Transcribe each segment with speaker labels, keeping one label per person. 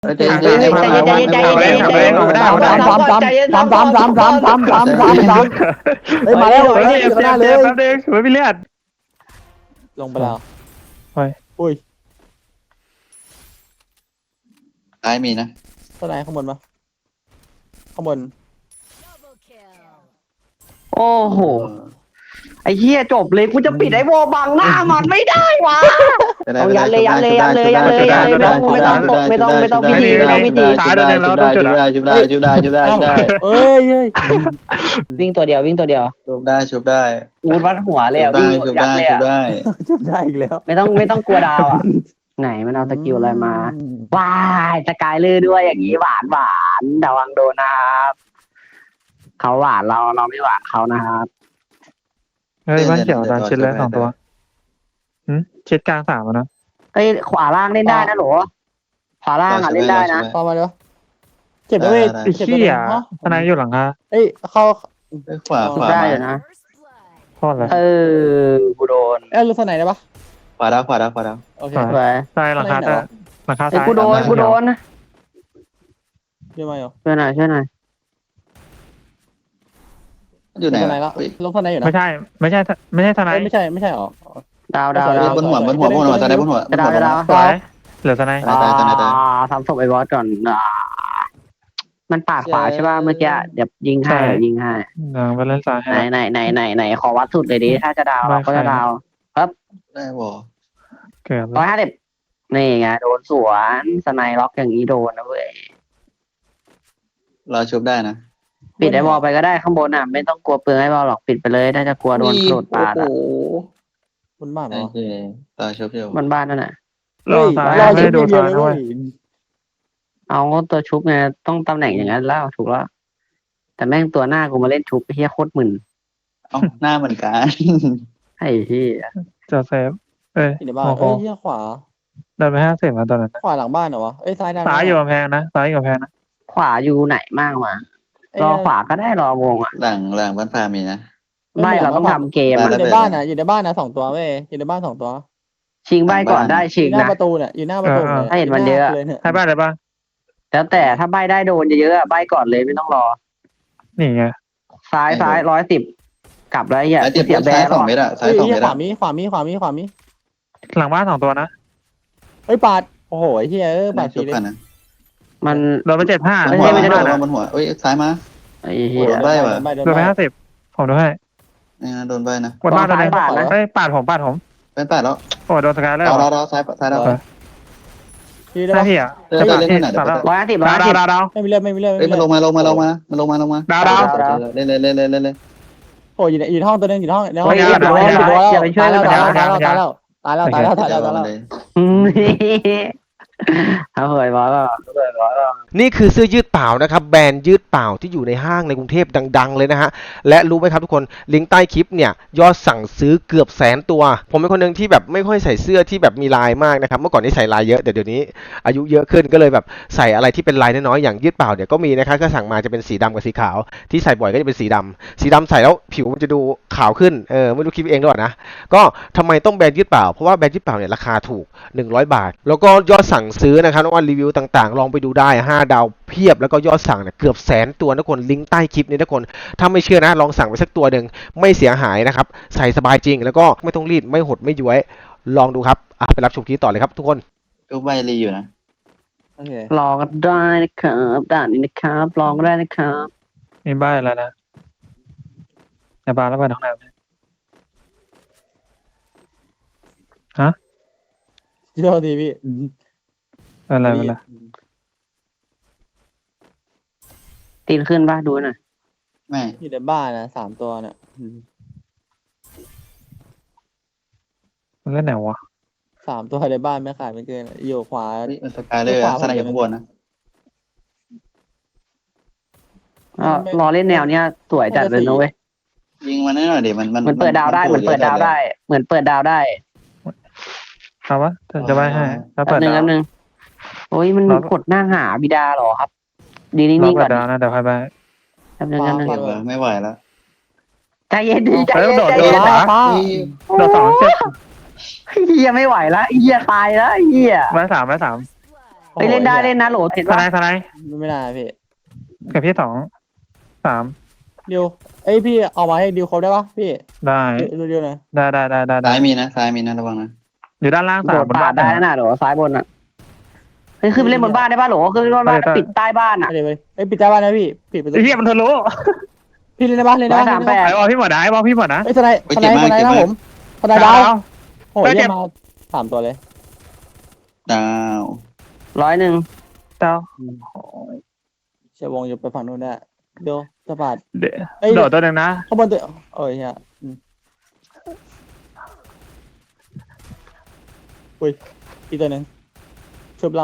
Speaker 1: ใจเย็นใจเย็นใจเย็นใจเย็นใจเย็นใจเย็น
Speaker 2: เฮ้ยมาแล้วเฮ้ยชนะเลย
Speaker 3: แป๊บนึงไม่มีเลือด
Speaker 2: ลงไปแล้ว
Speaker 3: เฮ้ย
Speaker 2: อุ้ย
Speaker 1: ซ้ายมีนะ
Speaker 2: ต้นไหนข้างบนปะข้างบน
Speaker 4: โอ้โหไอ้เหี้ยจบเลยกูจะปิดไอ้วอบังหน้ามันไม่ได้วะเอายันเลยยันเลยยันเลยยันเลยยันเลยไม่ต้องพิธีไม่ต้องพิธี
Speaker 3: ตายแล้วแล้วต้องจุดอ่ะ
Speaker 1: ชุบได้
Speaker 2: เอ้ยเฮ้ย
Speaker 4: วิ่งตัวเดียววิ่งตัวเดียว
Speaker 1: ชุบได้
Speaker 4: อูดวัดหัวเลยอ่ะวิ่งยัดเลยอ่ะ
Speaker 2: จุดได้อีกแล้ว
Speaker 4: ไม่ต้องกลัวดาวอ่ะไหนมันเอาสกิลอะไรมาว้ายสกายเลอร์ด้วยอย่างนี้หวานระวังโดนนะครับเขาหวานเราไม่หวานเขานะครับ
Speaker 3: เฮ้ยบ้านเขียวตามชิดแล้ว2 ตัวชิดกลาง3นะ
Speaker 4: เอ้ยขวาล่างเล่นได้นะหรอขวาล่างอ่ะเล่นได้นะ
Speaker 2: เข้ามาเดี๋ยวเจ็บด้วย
Speaker 3: ไอ้ขี้อ่ะทนายอยู่หลังคา
Speaker 2: เอ้ยเข้า
Speaker 1: ขวา
Speaker 4: ได้อยู่นะ
Speaker 3: โทษเลย
Speaker 4: กูโดน
Speaker 2: เอ้ยรู้สไหนได้ปะ
Speaker 1: ขวาดาว
Speaker 2: โอเค
Speaker 4: ไป
Speaker 3: ใช่หลังคาแต่หลังคา
Speaker 4: ไอ้
Speaker 3: ซ้าย
Speaker 4: กูโดน
Speaker 2: เยอะมาอยู่
Speaker 4: ช่วยหน่อย
Speaker 1: อยู่ไหน
Speaker 2: สไหนละลงสไหนอยู่นะ
Speaker 3: ไม่ใช่ทนาย
Speaker 2: ไม่ใช่หรอ
Speaker 4: ดาว
Speaker 1: บนหัวตาได้บนหัว
Speaker 4: จะดาว
Speaker 3: สวยเหลือทนาย
Speaker 4: ทำศพไอ้บอสก่อนมันปาดขวาใช่ป่ะเมื่อกี้เดี๋ยวยิงให้
Speaker 3: ไปเล่นซ้ายให้
Speaker 4: ไหนขอวัดสุดเลยดิถ้าจะดาวเราก็จะดาว
Speaker 1: ได้บอ
Speaker 3: เกิด
Speaker 4: 150นี่ไงโดนสวนสไนล็อกอย่างนี้โดนนะเว้ย
Speaker 1: เราชุบได้นะ
Speaker 4: ปิดไอ้บอลไปก็ได้ข้างบนอ่ะไม่ต้องกลัวเปลืองไอ้บอลหรอกปิดไปเลยถ้าจะกลัวโดนโดดปาดอ่ะ
Speaker 2: บนบ้านเหร
Speaker 1: โอ
Speaker 2: อ
Speaker 1: เคตาชุบอยู่
Speaker 4: บ้านนั่นน่ะ
Speaker 3: รอซ้ายไม่ได้ดูซ้ายด้วย
Speaker 4: เอาตัวชุบไงต้องตำแหน่งอย่างนั้นแล้วถูกแล้วแต่แม่งตัวหน้ากูมาเล่นชุบเฮียโคตรมึน
Speaker 1: เอ้าหน้าเหมือนกัน
Speaker 4: ไอ้ที่
Speaker 3: จะเซฟเอ้ย
Speaker 2: ในบ้าน
Speaker 3: โอ้โห
Speaker 2: เอ้ยเหี้ยขวา
Speaker 3: เดินไป50มาตอนนั้น
Speaker 2: ขวาหลังบ้านเหรอวะเอ้ยซ้ายด้าน
Speaker 3: ซ้ายอยู่กำแพงนะซ้ายอยู่กำแพงนะ
Speaker 4: ขวาอยู่ไหนมากมารอขวาก็ได้รอวงอ่ะ
Speaker 1: หลังบ้านพามีนะ
Speaker 4: ไม่เราต้องทำเกม
Speaker 2: อยู่
Speaker 4: อ่ะ
Speaker 2: ในบ้านนะอยู่ในบ้านนะ2 ตัวเว้ยอยู่ในบ้าน2 ตัว
Speaker 4: ชิงใบก่อนได้
Speaker 2: อ
Speaker 4: ชิง
Speaker 2: ยู่หน้า
Speaker 4: นะ
Speaker 2: ประตูเนี่ยอยู่หน้าประตูเนี่ย
Speaker 4: ให้เห็นมันเยอะ
Speaker 3: ให้บ้านเลยป่ะ
Speaker 4: แล้วแต่ถ้าใบได้โดนเยอะๆใบก่อนเลยไม่ต้องรอ
Speaker 3: นี่ไง
Speaker 4: ซ้าย110กลับแล้วอย่า
Speaker 1: ไอ้เจ็บ
Speaker 4: เสียแบ
Speaker 1: ซ้าย
Speaker 4: ร์หรอก
Speaker 1: 2 เมตรอะซ้าย
Speaker 2: เฮ้ย
Speaker 1: 2 เมตร
Speaker 2: ขวา
Speaker 1: อะ
Speaker 2: มี
Speaker 3: หลังบ้าน2 ตัวนะ
Speaker 2: เฮ้ยปาดโอ้โหไอ้เหี้ยปาด
Speaker 1: ชุ
Speaker 2: สี
Speaker 1: บ
Speaker 2: เลย
Speaker 1: กันนะ
Speaker 4: มัน
Speaker 3: โดนไป75
Speaker 1: บนหัวเอ้ยซ้ายมา
Speaker 4: ไอ้เหี้ย
Speaker 1: โดนใบว่ะ
Speaker 2: โดน
Speaker 3: โดน
Speaker 2: ใบ
Speaker 3: ไป50ผมดูให้
Speaker 1: นี่นะโดนใบนะ
Speaker 3: กดบ้านตัวนึง
Speaker 4: ปาดนะ
Speaker 3: เฮ้ยปาดผม
Speaker 1: เป็นปาดแล้ว
Speaker 3: โอ้โดนสกายแล้ว
Speaker 1: เราซ้ายดาว
Speaker 2: พี่ได้
Speaker 3: หน้า
Speaker 2: ปะ
Speaker 3: ที่อ่ะ
Speaker 1: เล่นเล่นไหนเดี๋ยว
Speaker 4: 150
Speaker 3: ดาว
Speaker 2: ไม่มีเลือด
Speaker 1: เอ้ยมันลงมา
Speaker 3: ดาว
Speaker 1: เล่น
Speaker 2: โอ้ยอยู่ในห้องตัวนึงอยู่ในห้อง
Speaker 4: อย่าไปช่วย
Speaker 2: ตาย
Speaker 4: มัน
Speaker 2: แล้ว
Speaker 4: ถ้าเหยบอสก็
Speaker 5: นี่คือเสื้อยืดเปล่านะครับแบรนด์ยืดเปล่าที่อยู่ในห้างในกรุงเทพดังๆเลยนะฮะและรู้ไหมครับทุกคนลิงก์ใต้คลิปเนี่ยยอดสั่งซื้อเกือบ100,000 ตัวผมเป็นคนหนึ่งที่แบบไม่ค่อยใส่เสื้อที่แบบมีลายมากนะครับเมื่อก่อนนี่ใส่ลายเยอะแต่เดี๋ยวนี้อายุเยอะขึ้นก็เลยแบบใส่อะไรที่เป็นลายน้อยๆอย่างยืดเปล่าเนี่ยก็มีนะครับก็สั่งมาจะเป็นสีดำกับสีขาวที่ใส่บ่อยก็จะเป็นสีดำใส่แล้วผิวมันจะดูขาวขึ้นไม่รู้คิดเองหรือเปล่านะก็ทำไมต้องแบรนด์ยืดเปล่าเพราะว่าแบรนด์ยืดเปล่าเนี่ยราคาถูก100 บาทแล้วก็ยอดสั่งซื้อนะครับว่ารีวิวต่างๆลองไปดูได้5 ดาวเพียบแล้วก็ยอดสั่งเนี่ยเกือบ100,000 ตัวทุกคนลิงก์ใต้คลิปนี้ทุกคนถ้าไม่เชื่อนะลองสั่งไปสักตัวหนึ่งไม่เสียหายนะครับใส่สบายจริงแล้วก็ไม่ต้องรีดไม่หดไม่ย้วยลองดูครับไปรับชมคลิปต่อเลยครับทุกคน
Speaker 1: ก็ใบรีอยู่นะ
Speaker 4: ลองก็ได้นะครับด่านนี้นะครับลองก็ได้นะครับ
Speaker 3: มีบ้านแล้วนะในบ้านแล้วไปห้องน้ำ
Speaker 2: โทษทีพี่
Speaker 3: อะไร
Speaker 4: ตีนขึ้นป่ะดูหน่อย
Speaker 1: ไม่
Speaker 2: อยู่ในบ้านนะ3 ตัวเนี่ย
Speaker 3: มันเล่นไหนวะ
Speaker 2: 3 ตัวในบ้านไม่ขาดไม่เกินอยู่ขวา
Speaker 1: มันสกายเลยสนายอยู่ข้างบนนะ
Speaker 4: รอเล่นแนวเนี้ยสวยจัดเลยนะเว้ย
Speaker 1: ยิงมันหน่อยดิมัน
Speaker 4: เหมือนเปิดดาวได้เหมือนเปิดดาวได้
Speaker 3: เอาวะจะไปให้ถ้าเปิด
Speaker 4: แป๊บนึงโอ้ยมันกดหน้าหาบิดาหรอครับดีนิ่งๆก่อน
Speaker 3: ดาวนะเดี๋ยวไป
Speaker 4: แป๊บนึง
Speaker 1: ไม่ไหวแล้ว
Speaker 4: ใจเย็นดีใจ
Speaker 3: เฮ้ย
Speaker 4: เย็น
Speaker 3: โดด
Speaker 4: ใจ
Speaker 3: โด
Speaker 4: เย็
Speaker 3: ด
Speaker 4: น
Speaker 3: เหรอ โดน2 เจ็บ
Speaker 4: เฮียไม่ไหวแล้วเฮียตายแล้วเฮีย
Speaker 3: ไม้3
Speaker 4: เฮ้ยเล่นได้เล่นนะโหลเห็น
Speaker 3: ท
Speaker 4: ปะ
Speaker 3: นายทนาย
Speaker 2: ไม่ได้พี่
Speaker 3: กับพี่สองสาม
Speaker 2: ดิวเอ้ยพี่เอามาให้ดิวเขาได้ปะพี่
Speaker 3: ได้
Speaker 2: ดิวหน่อย
Speaker 3: ได้
Speaker 1: ซ้ายมีนะซ้ายมีนะระวังนะ
Speaker 3: อยู่ด้านล่าง
Speaker 4: โด
Speaker 3: สาม
Speaker 4: ด
Speaker 3: บน
Speaker 4: ปา
Speaker 3: บ้า
Speaker 4: ด
Speaker 3: น
Speaker 4: ได้นะโหลซ้ายบนอ่ะเฮ้ยขึ้นไปเล่นบนบ้านได้ปะโหลขึ้นไปเล่นบนบ้านปิดใต้บ้านอ่ะ
Speaker 2: ไปเลยเอ้ยปิดใต้บ้านนะพี่ปิดประตู
Speaker 3: ไอ้เหี้ยมันทะลุ
Speaker 2: พี่เล่นได้ปะเล่นได้
Speaker 4: ร้อย
Speaker 2: ปะ
Speaker 4: สามแปด
Speaker 3: ไอ้บอลพี่หมดนะไอ้บอลพี่หมดนะ
Speaker 2: เอ้ยทนายนะผมทนายดาวโอ้ยมาสามตัวเลย
Speaker 1: ดาว
Speaker 4: 100
Speaker 3: เจ้า
Speaker 2: เชียร์วงอยู่ไปฝั่งนู้นได้เดี๋ยวจะปาด
Speaker 3: เดี๋ยว
Speaker 2: เอ้ย
Speaker 3: โดดตัวหนึ่งนะ
Speaker 2: ข้างบนตัวโอ้ยเฮียอุ้ยอีกตัวหนึ่งชุบแล้ว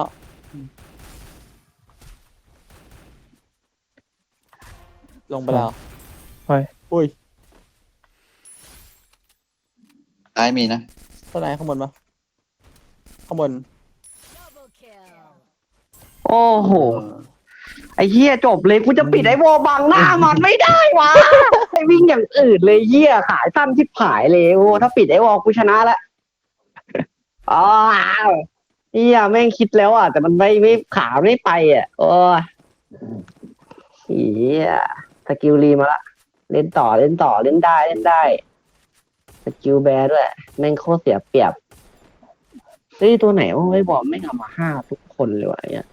Speaker 2: ลงไปแล้วอุ้ย
Speaker 1: ซ้ายมีนะ
Speaker 2: ทนายข้างบนปะข้างบน
Speaker 4: โอ้โหไอ้เหี้ยจบเลยกูจะปิดไอ้วอบังหน้ามันไม่ได้วะไอ้วิ่งอย่างอื่นเลยเหี้ยขายสั้นชิบหายเลยโอ้ถ้าปิดไอ้วอกูชนะละอ๋อเหี้ยแม่งคิดแล้วอ่ะแต่มันไม่ขาไม่ไปอ่ะโอ้ยเหี้ยสกิลรีมาละเล่นต่อเล่นได้สกิลแบร์ด้วยแม่งโคตรเสียเปรียบเฮ้ยตัวไหนวะไอ้บอลไม่งเอามาห้าทุกคนเลยวะเนี่ย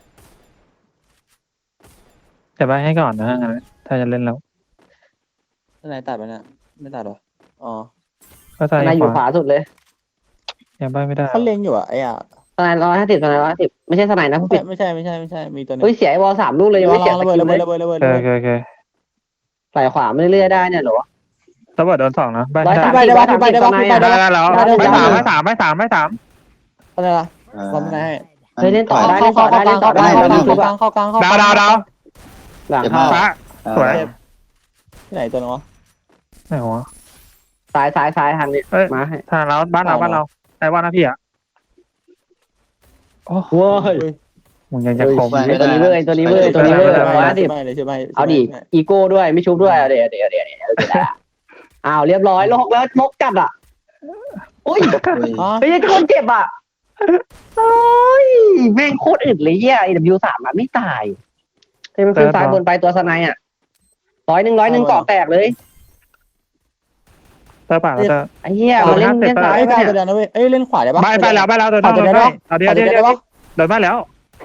Speaker 3: จะไปให้ก่อนนะงั้นถ้าจะเล่นแล้ว
Speaker 2: ทนายตัดไปนะไม่ตัดหรออ๋อ
Speaker 3: ก็
Speaker 4: ท
Speaker 3: ใส่
Speaker 4: นายอ
Speaker 3: ข
Speaker 4: ยู่
Speaker 3: วา
Speaker 4: ขวาสุดเลย
Speaker 3: ยังไปไม่ได้
Speaker 2: เขาเล็งอยู่อ่ะไอ้อ่ะ
Speaker 4: ทนาย150ไม่ใช่ทนายนะผู้ผิด
Speaker 2: ไม่ใช่มีตัวนึง
Speaker 4: เฮ้ยเสียไอ้บอล3 ลูกเลยยัง
Speaker 2: ระ
Speaker 4: ไม่เสียส
Speaker 2: เบิด
Speaker 4: กิล
Speaker 2: ระ
Speaker 4: เล
Speaker 2: เบิด
Speaker 4: ย
Speaker 2: ระเบิด
Speaker 3: โอเค
Speaker 4: ใส่ขวาไม่เรื่อยๆได้เนี่ยเหรอ
Speaker 3: ระเบิดโดนสองนะไป
Speaker 4: 130
Speaker 2: ไปได้ปะ
Speaker 4: ทนาย
Speaker 2: ไปได้
Speaker 3: ได้
Speaker 2: ปะ
Speaker 3: แล้วไม่สาม
Speaker 2: ทนายละทนาย
Speaker 4: เฮ้ยเล่นต่อได้
Speaker 2: เข้ากลางเข้ากลาง
Speaker 3: ดาว
Speaker 4: หลัง
Speaker 1: มา
Speaker 4: เข้า
Speaker 3: ฟ้าสวย
Speaker 2: ที่ไหนตัวนึงวะ
Speaker 3: ไหนวะ
Speaker 4: ซ้ายทางนี้
Speaker 3: เอ้ย
Speaker 4: มาให้
Speaker 3: ทางเราบ้านเราไอ้ว่านะพี่อ่ะโอ้
Speaker 4: โว้ย
Speaker 3: มึงยังจะคม
Speaker 4: ตัวนี้เว้ย150เอาดิอีโก้ด้วยไม่ชุบด้วยเดี๋ยวอ้าวเรียบร้อยลกแล้วลกจัดอ่ะอุ้ย
Speaker 2: อ๋อ
Speaker 4: เฮ้ยคนเจ็บอ่ะโอ้ยแม่งโคตรอึดเลยเหี้ย AW3 อ่ะไม่ตายเฮ้ยมันขึ้นซ้ายบนไปตัวสไนอ่ะ100เกาะแตกเลย
Speaker 3: เตอร์ป่าแล้วจะ
Speaker 4: ไอ้เหี้ยมาเล่นซ้าย
Speaker 2: ไอ้
Speaker 4: ไป
Speaker 2: กาย
Speaker 4: เนี่ย
Speaker 2: ตัวเดียวนะเว้ยเอ้ยเล่นขวาได้ปะ
Speaker 3: ไปแล้วโดนเอาเดี๋ยวโดนมาแล้ว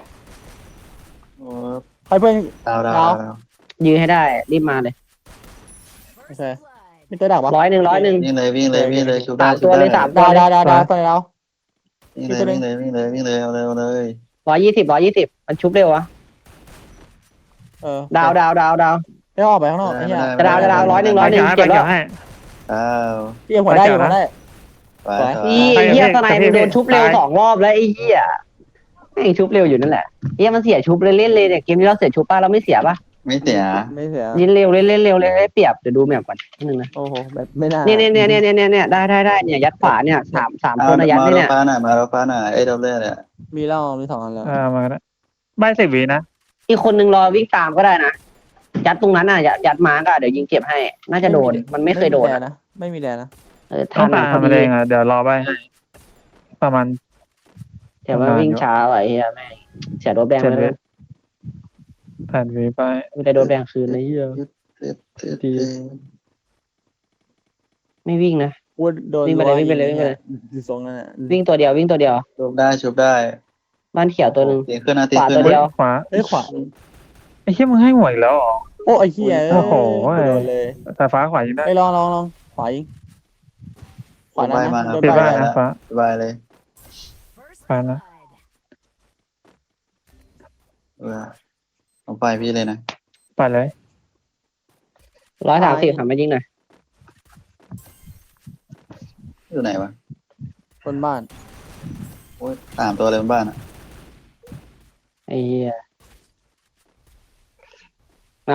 Speaker 2: ไปเพื่อน
Speaker 1: ดาว
Speaker 4: ยื้อให้ได้รีบมาเลย
Speaker 2: โอเคมีตัวดักปะ
Speaker 4: 100
Speaker 1: วิ่งเลยชุบได้
Speaker 4: 3 ตัวเลย3 ตัวเลย
Speaker 2: ดาวตัวไหนเรา
Speaker 1: วิ่งเลยเอาเลย
Speaker 4: 120มันชุบเร็ววะดาว
Speaker 2: ได้ออกไปข้างนอกไอ้เหี้ย
Speaker 4: จะดาว100
Speaker 3: ไป
Speaker 4: เก็บแล้ว
Speaker 3: เกี่ยวให้
Speaker 1: ดาว
Speaker 2: พี่หัวได้อยู่หัวได้
Speaker 4: อีเหี้ยสไนมันโดนชุบเร็ว2 รอบแล้วไอ้เหี้ยแม่งชุบเร็วอยู่นั่นแหละเหี้ยมันเสียชุบเล่นเลยเนี่ยเกมนี้เราเสียชุบป่ะเราไม่เสียป่ะ
Speaker 1: ไม่เสีย
Speaker 2: ไม่เสีย
Speaker 4: ยิงเร็วเล่นเร็วเลยเปรียบเดี๋ยวดูแมปก่อนนิดนึงนะ
Speaker 2: โอ้โหแบบไม่น่า
Speaker 4: เนี่ยได้เนี่ยยัดขวาเนี่ยสามตัวนะยัดเนี่ย
Speaker 1: มาแล้วฟ้าหน่ะไอ้ดอลเลอร์เนี่ย
Speaker 2: มีเล่ามี2 อันแล้ว
Speaker 3: มาก็ได้ใบ10 วินะ
Speaker 4: อีกคนนึงรอวิ่งตามก็ได้นะยัดตรงนั้นน่ะยัดมาก็เดี๋ยวยิงเก็บให้ น่าจะโดนมันไม่เคยโดน
Speaker 2: นะไม่มีแดนนะ
Speaker 3: ต้อ
Speaker 4: ทั
Speaker 3: ง
Speaker 4: น
Speaker 3: ตาม
Speaker 4: พอ
Speaker 3: มา
Speaker 4: ดี
Speaker 3: เองอ่ะเดี๋ยวรอใบให้ประมาณ
Speaker 4: แต่ว่าวิ่งช้าไอ้เหี้ยแม่งเสียโดนแดงไปเลย
Speaker 3: 8 วิไป
Speaker 4: ไม่ได้โดนแดงคืนเลยเหี้ยไม่วิ่งนะ
Speaker 2: พูดโดนดูทรงนั่นแหละ
Speaker 4: วิ่งตัวเดียว
Speaker 1: ชุบได้
Speaker 4: บ้านเขียวตัวนึง
Speaker 1: ตีขึ้นนะตี
Speaker 4: ขวา
Speaker 1: ขึ้
Speaker 4: ตั
Speaker 1: น
Speaker 4: วเดียว
Speaker 3: ขวา
Speaker 2: เอ้ยขวา
Speaker 3: ไอ้เหี้ยมึงให้หวยแล้ว
Speaker 2: โอ้ไอ้เหี้ย
Speaker 3: โอ้โห
Speaker 2: โดนเลย
Speaker 3: แต่ฟ้าขวายิงได้
Speaker 2: ไอ้ลองขวายิงขวานะโดน
Speaker 3: ปิด
Speaker 2: ไป
Speaker 3: บ้านนะฟ้า
Speaker 1: สบายเลย
Speaker 3: ฟ้านะ
Speaker 1: เอาไปพี่เลยนะ
Speaker 3: ไปเลย
Speaker 4: 130ทำไม่ยิงหน่อย
Speaker 1: อยู่ไหนวะ
Speaker 2: บนบ้าน
Speaker 1: โอ้ย3 ตัวเลยบนบ้านอ่ะ
Speaker 4: ไอ้เหี้ยเอา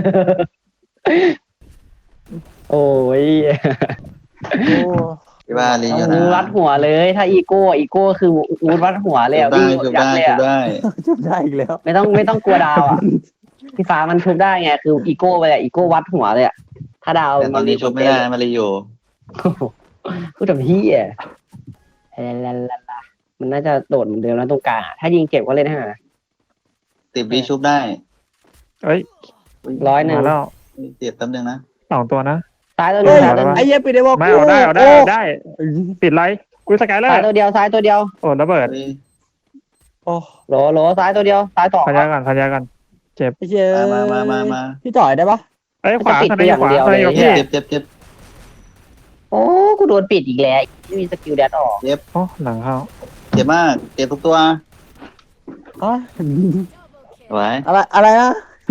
Speaker 4: โอ้ย
Speaker 2: โอ้
Speaker 1: ที่บ้านลีอยู่นะ
Speaker 4: วัดหัวเลย ถ้าอีโก้คือวูดวัดหัวเลยอ่ะวิ่งยัดเลยอ่ะ
Speaker 2: ชุบได้อีกแล้ว
Speaker 4: ไม่ต้องกลัวดาวอ่ะพี่ฟ้ามันชุบได้ไงคืออีโก้ไปอ่ะอีโก้วัดหัวเลยอ่ะถ้าดาว
Speaker 1: แต่ตอนนี้ชุบไม่ได้มาลีอยู่
Speaker 4: พูดแบบเฮียลามันน่าจะโดดเหมือนเดิมแล้วตรงกลางอะถ้ายิงเจ็บก็เล่นให้หน่อยนะ
Speaker 1: 10 วิชุบได้
Speaker 3: เอ้ย
Speaker 4: 100
Speaker 3: มาแล้ว
Speaker 1: เจ็บแป๊บนึงนะ
Speaker 3: 2 ตัวนะ
Speaker 4: ซ้ายตัว
Speaker 2: เฮ้
Speaker 4: เดี
Speaker 2: ย
Speaker 4: ยวซ้ายตัว
Speaker 2: ไอ้เหี้ยปิดได้บอก
Speaker 3: ไม่เอาได้เอาได้เอาได้ปิดไรกูสกายเลอ
Speaker 4: ซ้าย
Speaker 3: ร์
Speaker 4: ตัวเดียวซ้ายตัวเดียว
Speaker 3: โอ้ระเบิด
Speaker 1: เฮ้ย
Speaker 2: โอ้
Speaker 4: โหลซ้ายตัวเดียวซ้ายสอง
Speaker 3: พันยากันพันยากัน
Speaker 2: ไอ้เหี้ย
Speaker 1: มา
Speaker 2: พี่จ่อยได้ปะ
Speaker 3: เอ้ยขวาทนายขวาทนายอยู่พี่
Speaker 1: เจ็บ
Speaker 4: โอ้กูโดนปิดอีกแล้วไม่มีสกิลแดดออก
Speaker 3: โอ้หลังเข้า
Speaker 1: เจ็บมากเจ็บทุกตัว
Speaker 2: อ๋อ
Speaker 1: ไหว
Speaker 2: อะไรนะ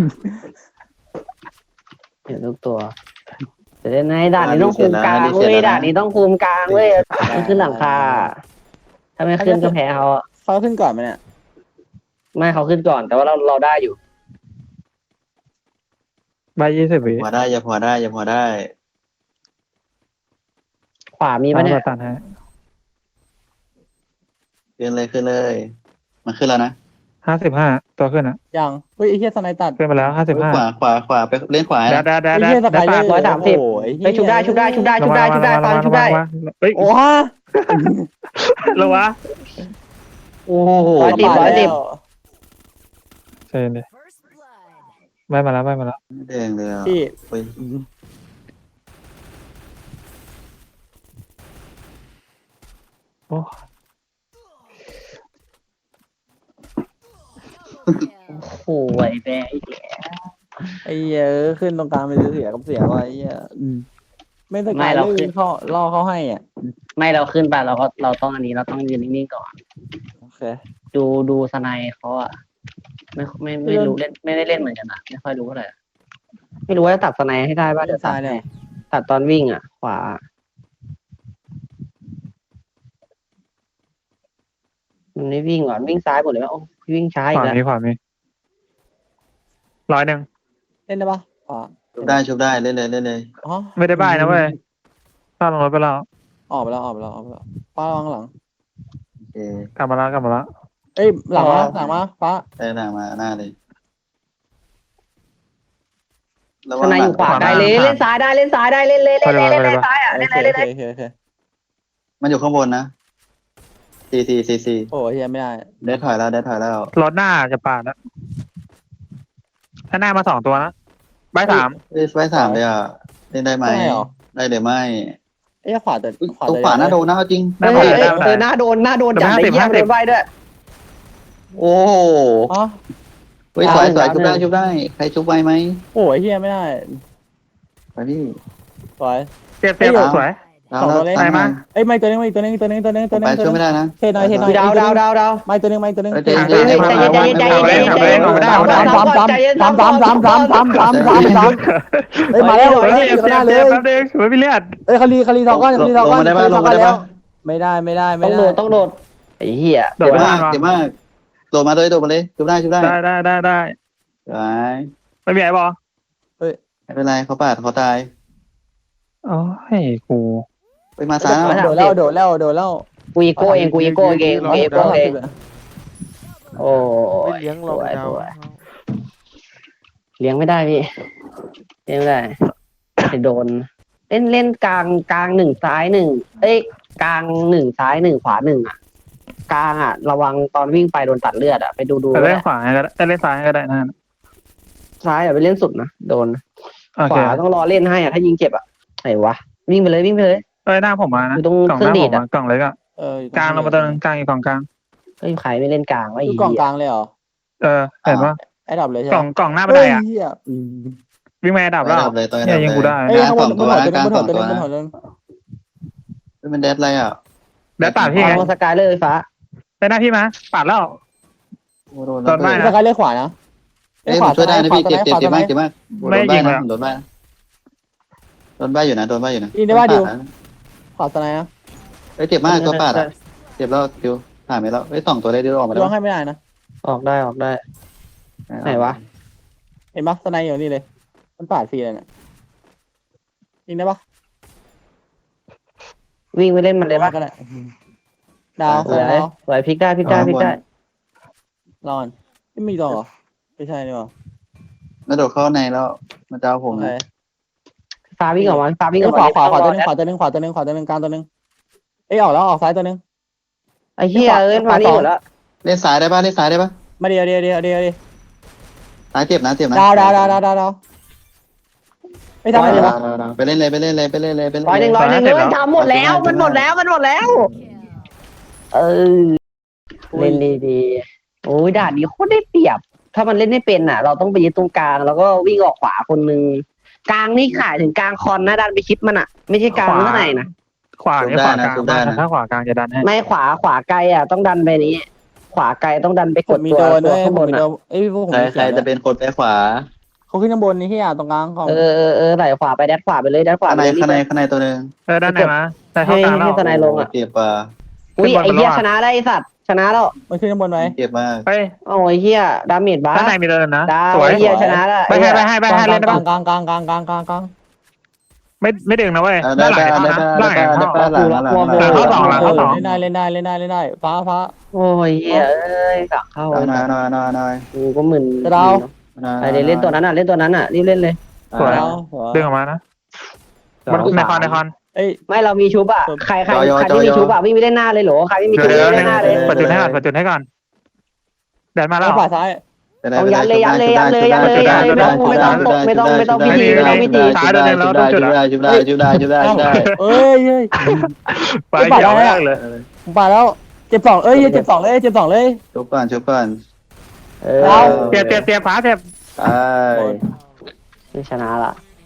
Speaker 4: เห็นทุกตัวแต่ในด่านนี้ต้องคุมกลางเว้ยด่านนี้ต้องคุมกลางเว้ยมันขึ้นหลังคาถ้าไม่ขึ้นก็แพ้เขาอะ
Speaker 2: เขาขึ้นก่อนไหมเนี่ย
Speaker 4: ไม่เขาขึ้นก่อนแต่ว่าเราได้อยู่
Speaker 3: ใบ20 วิ
Speaker 1: พอได้อย่าพอได้อย่าพอได้
Speaker 4: ขวามีปะเนี่ย
Speaker 3: ตันให้
Speaker 1: ขึ้นเลยมันขึ้นแล้วนะ
Speaker 3: 55 ตัวขึ้นอ่ะ
Speaker 2: ยังเฮ้ยไอ้เหี้ยสไนตัด
Speaker 3: ขึ้นไปแล้ว
Speaker 1: ขวาไปเล่นขวา
Speaker 3: 55แดด
Speaker 2: ไอ้เหี้ยสไปเลอร์
Speaker 4: 130
Speaker 2: โอ้ย
Speaker 4: ไปชุบได้ฟังชุบได้
Speaker 3: เฮ้ย
Speaker 2: โอ้ฮะ
Speaker 3: ระวะ
Speaker 4: โอ้โห110
Speaker 3: เชิญดิใบมาแล้ว
Speaker 1: แดงเลยอ่ะ
Speaker 2: พี่
Speaker 1: เฮ้ย
Speaker 3: โอ้
Speaker 4: โอ้ยแม่อีก
Speaker 2: ไอ้เหี้ยขึ้นตรงกลางเป็นเสียกับเสียว่ะไอ้เหี้ยไม่สกายเลยเขาล่อเขาให้อ่ะ
Speaker 4: ไม่เราขึ้นไปเราต้องอันนี้เราต้องยืนนิ่งๆก่อน
Speaker 2: โอเค
Speaker 4: ดูสไนเขาอะไม่รู้เล่นไม่ได้เล่นเหมือนกันอะไม่ค่อยรู้เท่าไหร่ไม่รู้ว่าจะตัดสไนให้ได้ป่ะเดี๋ยวตั
Speaker 2: ซ้า
Speaker 4: ด
Speaker 2: ยเนี่ย
Speaker 4: ตัดตอนวิ่งอะขวามันไม่วิ่งก่อนวิ่งซ้ายหมดเลยว่าโอ้วิ่งช้า
Speaker 3: ข
Speaker 4: อีก
Speaker 3: วา
Speaker 4: แล้ว
Speaker 3: มี100
Speaker 2: เล่นได้ปะอ๋อ
Speaker 1: ชุบได้เล่นเลย
Speaker 2: อ๋อ
Speaker 3: ไม่ได้ใบนะเว้ยถ้าลงรถไปแล้ว
Speaker 2: ออกไปแล้วป้าระวังหลัง
Speaker 1: โอเค
Speaker 3: กลับมาแล้ว
Speaker 2: เอ้ยหลังมาป้า
Speaker 1: ได้หน้ามาหน้าเลย
Speaker 4: สไนอยู่ขวาได้เลยเล่นซ้ายได้เล่นซ้ายได้เล่นซ้ายอะ
Speaker 2: โอ
Speaker 4: เล่น
Speaker 2: เค
Speaker 4: เล่น
Speaker 2: โอเค
Speaker 1: มันอยู่ข้างบนนะซี
Speaker 2: โอ้ยเหี้ยไม่ได้
Speaker 1: ได้ถอยแล้ว
Speaker 3: รถหน้าจะปาดแล้วถ้าหน้ามา2 ตัวนะใบ3
Speaker 1: ไว้3เลยอ่ะเล่นได้ไหมได้หรือไม่
Speaker 2: เอ้ยขวาแต่
Speaker 1: ตรงขวาหน้าโดนนะจริง
Speaker 3: หน้า
Speaker 4: เฮ้
Speaker 3: มาย ได้
Speaker 4: หน้าโดนจัดไอ้เหี้ยโดนใบด้วย
Speaker 1: โอ้
Speaker 2: อ๋อ
Speaker 1: เฮ้ยสวยชุบได้ใครชุบไวไหม
Speaker 2: โอ้ยเหี้ยไม่ได้
Speaker 1: ไปพี่
Speaker 2: สวย
Speaker 3: เจ็บสวย
Speaker 2: สองตัวเล่น
Speaker 3: ไหนมา
Speaker 2: เอ้ยไม่ตัวนึง
Speaker 1: ไปช่วยไม่ได้นะ
Speaker 2: เทน้อย
Speaker 4: ดาว
Speaker 2: ไม่ตัวนึง
Speaker 1: ใจ
Speaker 4: ใจเย็น
Speaker 2: สามเอ้ยมาแล้ว
Speaker 3: เจ็บแป๊บนึงไม่มีเลือด
Speaker 2: เอ้ยคารีทองก้อนแล้วไม่ได้
Speaker 4: ต้องโดดไอ้เหี้ย
Speaker 3: โดดไม่ได้
Speaker 1: เจ็บมากโดดมาเลยชุบได้
Speaker 3: ได้ ไม่มีไอ้บอ
Speaker 1: ไม่เป็นไรเขาปาดเขาตาย
Speaker 3: โอ้ยกู
Speaker 1: ไปมาซ้าย
Speaker 2: โดดแล้ว
Speaker 4: กูอีโก้เองโอ้ย
Speaker 5: เลี้ยงเราดาว
Speaker 4: เลี้ยงไม่ได้พี่เลี้ยงไม่ได้จะโดนเล่นกลาง1ซ้าย1เอ้ยกลาง1ซ้าย1ขวา1อ่ะกลางอ่ะระวังตอนวิ่งไปโดนตัดเลือดอ่ะไปดู
Speaker 3: แต่เล่นขวาก็ได้เล่นซ้ายก็ได้นะ
Speaker 4: ซ้ายอย่าไปเล่นสุดนะโดน
Speaker 3: โอ
Speaker 4: ข
Speaker 3: เคว
Speaker 4: าต้องรอเล่นให้อ่ะถ้ายิงเจ็บอ่ะไหนวะวิ่งไปเลย
Speaker 3: เอ้ยหน้าผมมานะ
Speaker 4: อยู่ตรง
Speaker 3: กล่อง
Speaker 4: เค
Speaker 3: ห
Speaker 4: รื่อง
Speaker 3: น้า
Speaker 4: ดี
Speaker 3: ผ
Speaker 4: ด
Speaker 3: ม
Speaker 4: อ่ะ
Speaker 3: กล่องเล็กอ่ะกลางลงมาตัวนึงกลางอีกกล่องกลาง
Speaker 4: เฮ้ยใครไม่เล่นกลางวะ
Speaker 2: คือกล่องกลางเลยเหรอ
Speaker 3: เห็นปะ
Speaker 2: ไอ้ดับเลยใช่
Speaker 3: กล่องหน้าบันไดอ่ะวิ่งมาดับแล้ว
Speaker 1: เลยตัว
Speaker 3: เนี่ยยิงกูได้
Speaker 2: เอ้ยข้างบน
Speaker 1: ตัว
Speaker 2: บนหัว
Speaker 1: ตัว
Speaker 2: นึง
Speaker 1: เป็นเดดอะไรอ่ะ
Speaker 3: แล้วปาดพี่ไง
Speaker 4: เอาสกายเลยฟ้า
Speaker 3: ได้หน้าพี่มาปาดแล้ว
Speaker 1: โดน
Speaker 2: สกายเลี้ยวขวานะ
Speaker 1: เอ้ยช่วยได้นะพี่เจ็บมากโดนบ้าอยู่นะขวาสไนนะเอ้ยเจ็บมากตัวปาดอ่ะเจ็บแล้วคิวผ่านไปแล้วเอ้ย2ตัวได้ดิวออกมา
Speaker 2: ร้
Speaker 1: แล้
Speaker 2: อง
Speaker 1: ว
Speaker 2: ให้ไม่ได้นะ
Speaker 4: ออกได้ไหนวะ
Speaker 2: เห็นปะสไนอยู่นี่เลยมันปาดฟรีเลยเนี่ยยิงได้ปะ
Speaker 4: วิ่งไปเล่นมันเลยปะ
Speaker 2: ก็ได้ดาว
Speaker 4: สวยพลิกได้
Speaker 2: รอนไม่มีตัวเหรอไม่ใช่นี่หรอ
Speaker 1: แล้วโดดเข้าในแล้วมันจะเอาผมนะ
Speaker 4: ฟ้าวิ่งออกมา
Speaker 2: ขวาตัวนึงกลางตัวนึงเอ้ยออกแล้วออกซ้ายตัวนึง
Speaker 4: ไอ้เหี้ยเอ้ยมานี่หมดแล้ว
Speaker 1: เล่นสายได้ปะเล่นสายได้ปะ
Speaker 2: มาเดียว
Speaker 1: สายเจ็บนะเจ็บนะ
Speaker 2: ดาวไม่ทำอะไรเลยวะ
Speaker 1: ไปเล่นเลยไปเล่นเลยไปเล่นเลยไปเล่น
Speaker 4: ร้อยหนึ่งเลยทำหมดแล้วมันหมดแล้วเออเล่นดีๆโอ้ยด่านนี้โคตรได้เปรียบ ถ้ามันเล่นไม่เป็นอ่ะ เราต้องไปยึดตรงกลางแล้วก็วิ่งออกขวาคนนึงกลางนี่ขายถึงกลางคอนนะดันไปชิดมันอ่ะไม่ใช่กลางข้างในนะ
Speaker 3: ขวาเนี่ยขวากลางถ้าขวากลางจะดันให้
Speaker 4: ไม่ขวาไกลอ่ะต้องดันไปนี้ ขวาไกลต้องดันไปกด
Speaker 2: มี
Speaker 4: ตัว
Speaker 2: โดน
Speaker 4: ตัว
Speaker 2: ด้วย
Speaker 4: ข้างบน
Speaker 2: มีโด
Speaker 4: อ่ะ
Speaker 2: นเอ้ยพวกผม
Speaker 1: ใครจะเป็นคนไปขวา
Speaker 2: เขาขึ้นข้างบนนี่ที่ตรงกลางของ
Speaker 4: เออไหลขวาไปแดดขวาไปเลยแดดขวา
Speaker 1: ข้าง
Speaker 4: ไป
Speaker 1: ใน
Speaker 4: เลย
Speaker 1: ข้างในตัวนึง
Speaker 3: ด้านไหนมาแต่เข้ากลางแล้ว
Speaker 4: ให้ทนายลงอ่ะ
Speaker 1: เจ็บป่ะ
Speaker 4: อุ้ยไอ้เหี้ยชนะได้ไอ้สัตว์ชนะแล้ว
Speaker 2: มันขึ้นข้างบนไหม
Speaker 1: เจ็บมาก
Speaker 3: ไป
Speaker 4: โอ้ยเหี้ยดาเมจบ้า
Speaker 3: ด้านไหนมีเดินนะ
Speaker 4: ดาว
Speaker 3: สวย
Speaker 4: ไอ้เหี้ยชนะแล้ว
Speaker 3: ไปให้เล่นได้
Speaker 2: ก
Speaker 3: ป่ะ
Speaker 2: ลาง
Speaker 3: ไม่ดึงนะเว้ย
Speaker 1: ได้
Speaker 3: ด้านหลัง
Speaker 1: ได้
Speaker 3: เข้า
Speaker 1: ได้
Speaker 3: นะด้านหลัง
Speaker 1: ได้
Speaker 3: เข้า
Speaker 1: ได้หลังหลัง
Speaker 2: เล่นได้ฟ้า
Speaker 4: โอ้ยเหี้ยเอ้ยสักเข้า
Speaker 1: น้อย
Speaker 4: กูก็มึน
Speaker 2: ดาว
Speaker 4: ไอ้เล่นตัวนั้นอ่ะรีบเล่นเลย
Speaker 3: สวย
Speaker 2: ดาว
Speaker 3: ดึงออกมานะมันในคอน
Speaker 2: เอ้ย
Speaker 4: ไม่เรามีชุบอ่ะใครที่มีชุบอ่ะวิ่งไปเล่นหน้าเลยเหรอใครไม่มีชุบ
Speaker 3: เดี๋ยว
Speaker 4: เล่นหน้าเลย
Speaker 3: ปัจจุบันให้ก่อนเดินมาแล้ว
Speaker 2: ขวาซ้าย
Speaker 4: ต้องยัดเลยไม่ต้องพิธี
Speaker 1: จุดได้
Speaker 2: เอ้ย
Speaker 3: ไปเกี่ยวแรกเลย
Speaker 2: ผมไปแล้วเจ็บ2เจ็บ2เลย
Speaker 1: ชุบก่อน
Speaker 3: เตรียมฟ้าเตรียม
Speaker 1: ไป
Speaker 4: ชนะละ